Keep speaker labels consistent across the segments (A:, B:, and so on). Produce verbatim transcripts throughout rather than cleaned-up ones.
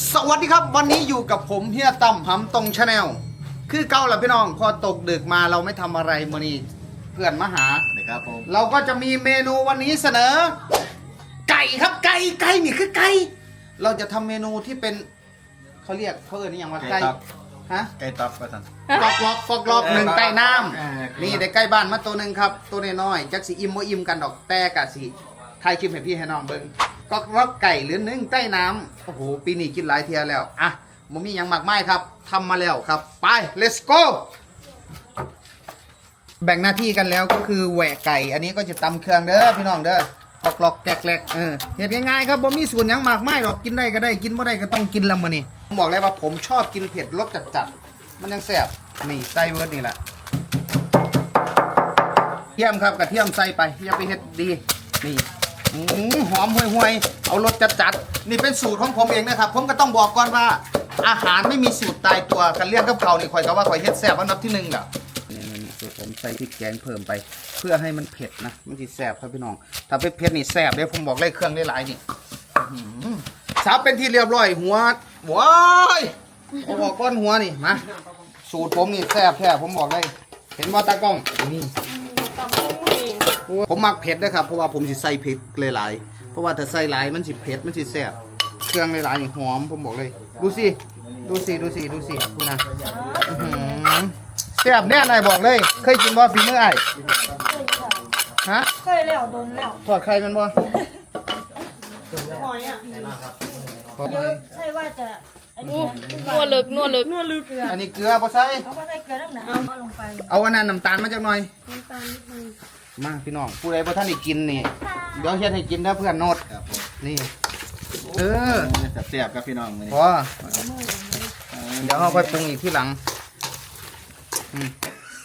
A: สวัสดีครับวันนี้อยู่กับผมเฮียตั้มหำตรงชาแนลคือเก่าแหละพี่น้องพอตกดึกมาเราไม่ทำอะไรมื้อนี้เพื่อนมาหา
B: นะครับผม
A: เราก็จะมีเมนูวันนี้เสนอ ไก่ครับไก่ไก่นี่คือไก่เราจะทำเมนูที่เป็นเขาเรียกเขาเรียกนี่อย่างว่าไก่ฮะ
B: ไก่ตับประสัน
A: ฟอกล็อกฟอกล็อกหนึ่งใต้น้
B: อ่า
A: ำนี่ได้ใกล้บ้านมาตัวหนึ่งครับตัวน้อยๆจักสีอิ่มบ่อิ่มกันดอกแต่กะสีไทยคลิปให้พี่ให้น้องเบิ้งก็ล็อกไก่หรือนึ่งใต้น้ำโอ้โหปีนี้กินหลายเทียแล้วอ่ะมันมีอย่างมากมายครับทำมาแล้วครับไป let's go แบ่งหน้าที่กันแล้วก็คือแหวกไก่ อันนี้ก็จะตำเครื่องเด้อพี่น้องเด้อปอกหลอกแกลกๆเออเห็ดง่ายๆครับผมมีส่วนอย่างมากมายหรอกกินได้ก็ได้กินไม่ได้ก็ต้องกินละมื้อนี้ผมบอกเลยว่าผมชอบกินเผ็ดรสจัดๆมันยังแซ่บนี่ไส้เวิร์ดนี่แหละเทียมครับกระเทียมใส่ไปอย่าไปเฮ็ดดีนี่อื้อหือหอมห่วยๆเอารสจัดๆนี่เป็นสูตรของผมเองนะครับผมก็ต้องบอกก่อนว่าอาหารไม่มีสูตรตายตัวกันเลี้ยงกับเขานี่คอยก็ว่าคอยเฮ็ดแซ่บอันดับที่หนึ่งอ่ะ นี่ผมใส่พริกแกงเพิ่มไป เพื่อให้มันเผ็ดนะมันจะแซ่บครับพี่น้องถ้าเป็นเผ็ดนี่แซ่บเลยผมบอกเลยเครื่องได้หลายนี่อื้อหือสับเป็นที่เรียบร้อยหัวว้ายผมบอกก้อนหัวนี่มาสูตรผมนี่แซ่บแท้ผมบอกเลยเห็นว่าตากล้องนี่ผมมักเผ็ดนะครับเพราะว่าผมสิใส่เผ็ดหลายๆเพราะว่าถ้าใส่หลายมันสิเผ็ดมันสิแซ่บเครื่องหลายๆนี่หอมผมบอกเลยดูสิดูสิดูสิดูสิคุณนะอื้อหือแซ่บแน่นายบอกเลยเคยกินบ่ฝีมือไอ้ฮะ
C: เคยแล้วโดนแล้ว
A: ทอดไข่มันบ่
C: หอยอ่ะเยอะใช่ว่าจะอันนี้
D: นัวลึกนัวลึก
C: นวดลึกเกลือ
A: อันนี้เกลือบ่ใส่
C: เขาก็ใส่เกลือน้ำหนักเอาลงไป
A: เอาอันนั้นน้ำตาลมาจากหน่อย
C: น้ำตาลนิดนึง
A: มาพี่น้องผู้ใดบ่ท่านได้กินนี่เดี๋ยวเฮ็ดให้กินนะเพื่อนโนด
B: ครับผม
A: นี่เออ
B: เสียบครับพี่น้องมื้อ
A: พ
B: นี้
A: อเดี๋ยวเราค่อยปรุงอีกที่หลังอืม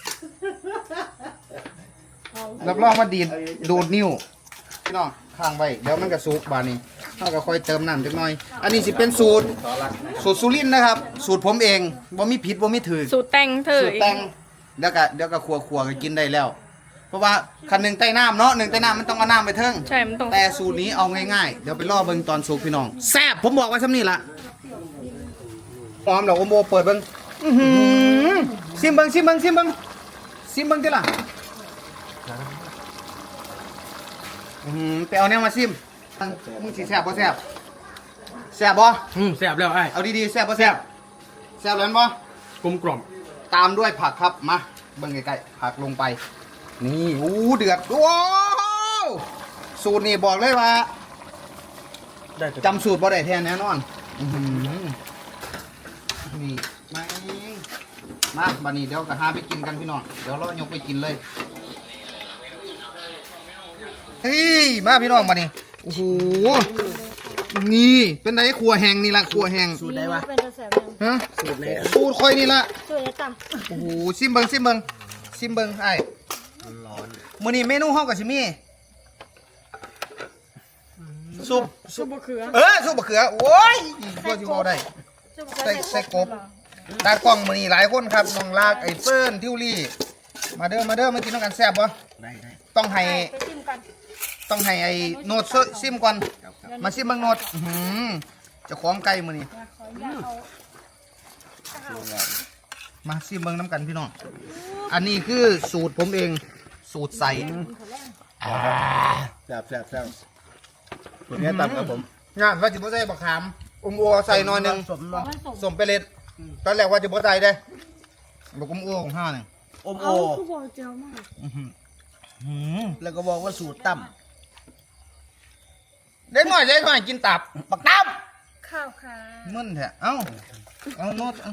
A: รับรองว่าดีดดูดนิ้วพี่น้องข้างไว้เดี๋ยวมันก็สุกบาดนี้เราก็ค่อยเติมน้ำจักหน่อย อันนี้สิเป็นสูตรสูตรสุรินทร์นะครับ สูตรผมเองบ่มีผิดบ่มีถือ
D: สูตรแต่งเธอ
A: สูตรแต่งเดี๋ยวก็เดี๋ยวก็ครัวครัวๆก็กินได้แล้ว เพราะว่าคันหนึ่งใต้น้ำเนาะหนึ่งใต้น้ำมันต้องเอาน้ำไปเทิง
D: ใช่มันต้อง
A: แต่สูตรนี้เอาง่ายๆเดี๋ยวไปล่อเบิ่งตอนสุกพี่น้องแซ่บผมบอกไว้ซ้ำนี่ละหอมเหรอโอโมเปิดเบิ่งอื้อหือซิมเบิ่งซิมเบิ่งซิมเบิ่งซิมเบิ่งติล่ะอื้อหือไปเอาแนวมาซิมมึงสิแซ่บบ่แซ่บแซ่บบ่
E: อืมแซ่บแล้วไอ้
A: เอาดีๆแซ่บบ่แซ่บแซ่บแล้วบ่
E: กลมกล่อม
A: ตามด้วยผักครับมาเบิ่งใกล้ๆผักลงไป นี่อู้เดือดว้าวสูตรนี่บอกเลยว่า
E: ได้แต่
A: จำสูตรบ่ได้แท้แน่นอนอื้อหือนี่มาเองมาบัดนี้เดี๋ยวก็หาไปกินกันพี่น้องเดี๋ยวเรายกไปกินเลยเฮ้ยมาพี่น้องบัดนี้โอ้โหนี่เป็นไงครัวแห้งนี่ละครัวแห้ง
C: สูตรได้ปะเป็นกระแสยัง
A: ฮะสูตรเลยสูตรคอยนี่ละ
C: สูตรได้ต่ำ
A: โอ้โหซิมเบิงซิมเบิงซิมเบิงไอ้ร้อนมื้อนี้เมนูเฮากับซิมี่ซุป
C: ซุปบะเขือ
A: เออซุปบะเขือโอ้ยก็สิเว้าได้
C: ซุป
A: ใส่ใส่กบตากล้องมื้อนี้หลายคนครับน้องลากไอ้เปิ้นทิวลี่มาเด้อมาเด้อมากินน้ำกันแซ่บบ่
B: ได้ได้
A: ต้องให้
C: ไปจิ้มกัน
A: ต้องให้ไอ้โนดซิมก่อนมาซิมเบิ่งโนดอื้อหือเจ้าของไก่มื้อนี้
C: ขออนุญาตเอา
A: มาซิมเบิ่งน้ำกันพี่น้องอันนี้คือสูตรผมเองสูตรใส
B: แซ่บแซ่บแซ่บตัวนี้ตับครับผม
A: งานว่าจะบ่ใส่บักขามอมอัวใส่หน่อยหนึง
B: สมเนาะ
C: มันส่ง
A: สมไปเลยตอนแรกว่าจะบ่ใส่เด้บักอมอัวของห้านี่
B: อมโอ
C: เอาคือบอกเจียวมาก
A: หืม
B: แล้วก็บอกว่าสูตรตั้ม
A: เด็กน้อยเด็กน้อยกินตับบักตับ
C: ข้าวค่ะ
A: มึนแท้เอ้าเอาโนดเอา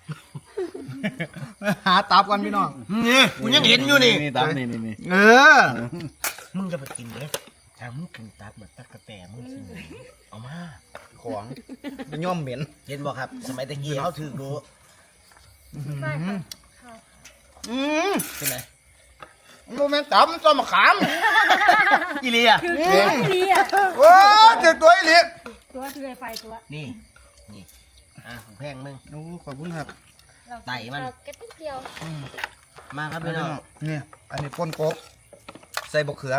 A: หาตับกันพี่น้อง
E: นี่กูยังเห็นอยู่นี่
B: นี่ตับนี่นี่นี่
A: เออ
E: มึงจะไปกินเลยถ้ามึงกินตับแบบตะกะแตมึงสิเอามา
A: ของเป็นย่อมเหม็น
E: เห็นบ่ครับ สมัยตะกี้เขาถือดู
C: ใช่ค่ะข้าว
A: อืม
E: เป็นไร
A: โมเมนตับมันต้นมะขาม
E: อีเลีย
C: คือตัวนี้อ่ะ
A: โอ้เจ็บตัวอีหลี
C: ตัวคือไฟตัว
E: นี่นี่อ่ะของแพงมึง
A: โอ้ขอบคุณครับ
E: ไต่มัน
C: เราแค่นิดเดียว
E: มาครับพี่น้อง
A: นี่อันนี้ป่นกบใส่บกเขือ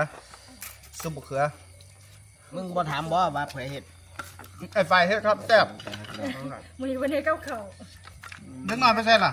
A: ซุปบกเขือ
E: มึงบ่ถามบ่ว่าเผยเห็ด
A: ไอ้ไฟเฮ็ดครับแซ่บ
C: มือวันนี้เก้าเข่า
A: เล็กน้อยไปใส่ล่ะ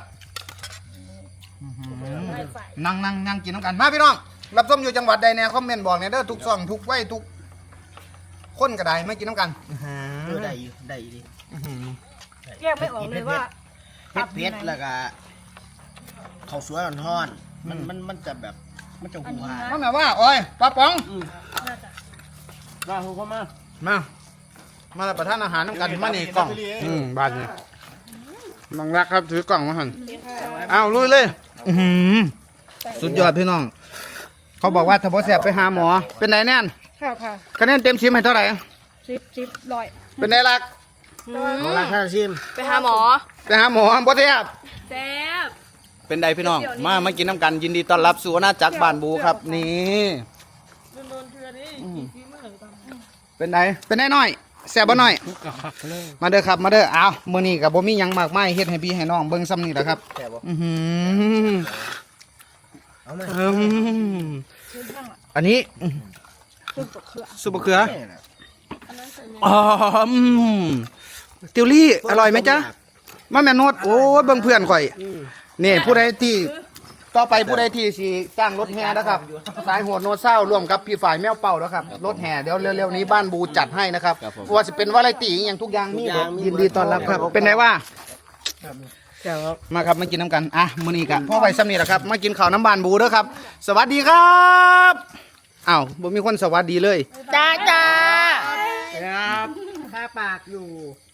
C: ไล่ไฟ
A: นั่งนั่งนั่งกินน้ำกันมาพี่น้องรับส้มอยู่จังหวัดใดเนี่ยคอมเมนต์บอกเนี่ยเด้อทุกซ่องทุกไว้ทุกคนก็ได้ไม่กินน้ำกัน
E: เออได้อยู่ได้อยู่ดิ
C: แยกไม่ออกเลยว่า
E: เผ็ดเผ็ดแล้วก็ข้าวสวยอ่อนๆมันมันมันจะแบบมันจะหัว
A: มันแบบว่าโอ้ยปลาป๋อง
C: น่าจะ
E: ว่าหัวเข้ามา
A: มามารับประทานอาหารน้ำกันมานี่กล่องอืมบาทนี่น้องรักครับถือกล่องมาหันเอาลุยเลยอื้อหือสุดยอดพี่น้อง เขาบอกว่าถ้าบ่แสบไปหาหมอ เป็นไงแน่น
C: ค่ะค่ะ
A: คะแนนเต็มสิบให้เท่าไหร่
C: สิบสิบร้อย
A: เป็นไงรัก
E: เอาละท่านชิม
D: ไปหาหมอ
A: ไปหาหมอบ่แสบ
D: แซ่บ
A: เป็นไดพี่น้อง มามากินน้ำกันยินดีต้อนรับสู่อาณาจักรบ้านบูครับนี่อืมเป็นไดเป็นไดน้อยแซ่บบ่น้อย มาเด้อครับมาเด้ออ้าวมื้อนี้ก็บ่มีหยังมากมายเฮ็ดให้พี่ให้น้องเบิ่งซ้ำนี่แหละครับ
E: แซ่บบ่
A: อือหือ
E: เอามา
A: อืมอันนี้ซุปมะเขืออ๋ออืมติวลี่อร่อยไหมจ๊ะมาแม่นดโอ้ยเบิ่งเพื่อนข่อยนี่ผู้ใดที่ต่อไปผู้ใดที่สิจ้างรถแห่นะครับ สายโหดโนเศร้าร่วมกับพี่ฝ่ายแมวเป่านะครับรถแห่เดี๋ยวเร็วๆนี้บ้านบูจัดให้นะครับว่าจะเป็นวาไรตี้อหย่างทุกอย่างนี่ยินดีต้อนรับครับ เป็นไงว่า มาครับมากินน้ำกันอ่ะมื้อนี้กะพ่อไปซ้ำนี่แหละครับมากินข้าวน้ำบานบูเด้อครับ สวัสดีครับอ้าวบ่มีคนสวัสดีเลย
E: จ้าจ้า
A: ครับ
E: ข้าปากอยู่